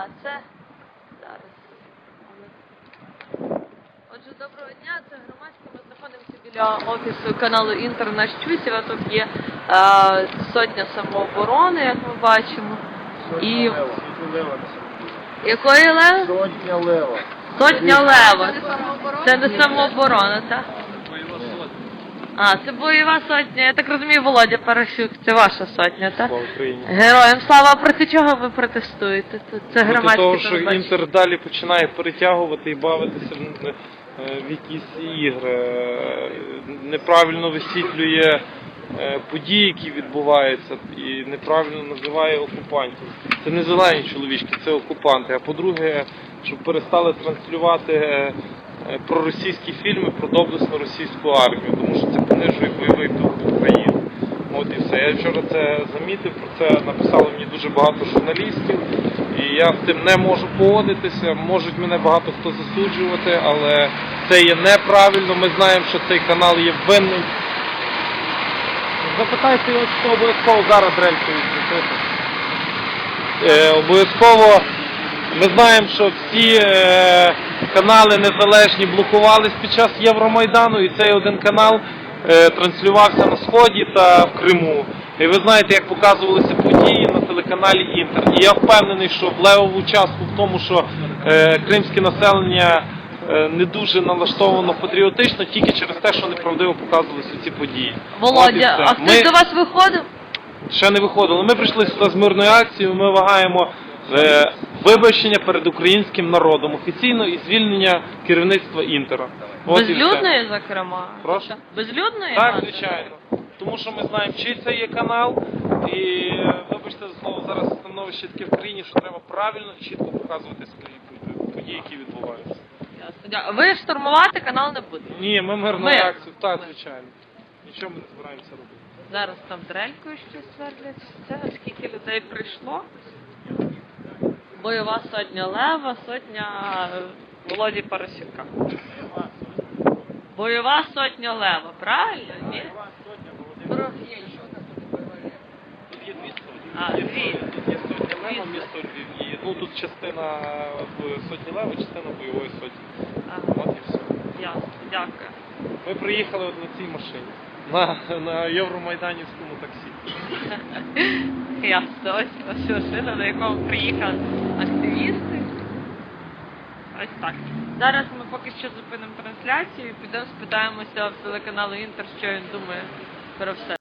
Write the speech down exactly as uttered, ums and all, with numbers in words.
А, це зараз. Отже, доброго дня, це громадське. Ми знаходимося біля офісу каналу Інтер на Щусєва. Тут є е, сотня самооборони, як ми бачимо. Сотня І... лева. лева. Якої лева? Сотня лева. Сотня лева. Це не самооборона, так? А, це бойова сотня. Я так розумію, Володя Парасюк, це ваша сотня, так? Слава Україні. Героям слава, проти чого ви протестуєте? Це громадське Проти того, що телебачення. Інтер далі починає перетягувати і бавитися в, в якісь ігри, неправильно висвітлює події, які відбуваються, і неправильно називає окупантів. Це не зелені чоловічки, це окупанти. А по-друге, щоб перестали транслювати проросійські фільми про доблесну російську армію, тому що це понижує бойовий дух України. От і все. Я вчора це замітив, про це написало мені дуже багато журналістів, і я з цим не можу погодитися. Можуть мене багато хто засуджувати, але це є неправильно. Ми знаємо, що цей канал є винний. Запитайте його, що обов'язково зараз дрелькою відкрити. Е, обов'язково ми знаємо, що всі е, канали незалежні блокувались під час Євромайдану, і цей один канал е, транслювався на Сході та в Криму. І ви знаєте, як показувалися події на телеканалі Інтер. І я впевнений, що в левову частку в тому, що е, кримське населення е, не дуже налаштовано патріотично, тільки через те, що неправдиво показувалися ці події. Володя, а хтось Ми... до вас виходив? Ще не виходило. Ми прийшли сюди з мирною акцією, ми вимагаємо е, вибачення перед українським народом офіційно і звільнення керівництва Інтера. Безлюдної, зокрема? Прошу? Безлюдної? Так, звичайно. Тому що ми знаємо, чий це є канал, і, вибачте за слово, зараз становище таке в країні, що треба правильно і чітко показувати свої події, які відбуваються. Ясно. Ви штурмувати канал не будете? Ні, ми мирну Ми. акцію, так, звичайно. Нічого ми не збираємося робити. Зараз там дрелькою щось свердлять. Це скільки людей прийшло? Бойова сотня Лева, сотня Володі Парасюка. Бойова сотня Лева, правильно? Ні? Про... Тут є дві сотні. А, дві. Тут є сотня Лева, місто Львів. І, ну, тут частина сотні Лева, частина бойової сотні. Ага. От і все. Ясно, дякую. Ми приїхали от на цій машині. На, на Євромайданівському таксі. Ясно, ось ось машина, на якому приїхали активісти. Ось так. Зараз ми поки що зупинимо трансляцію і підемо спитаємося в телеканалу Інтер, що він думає про все.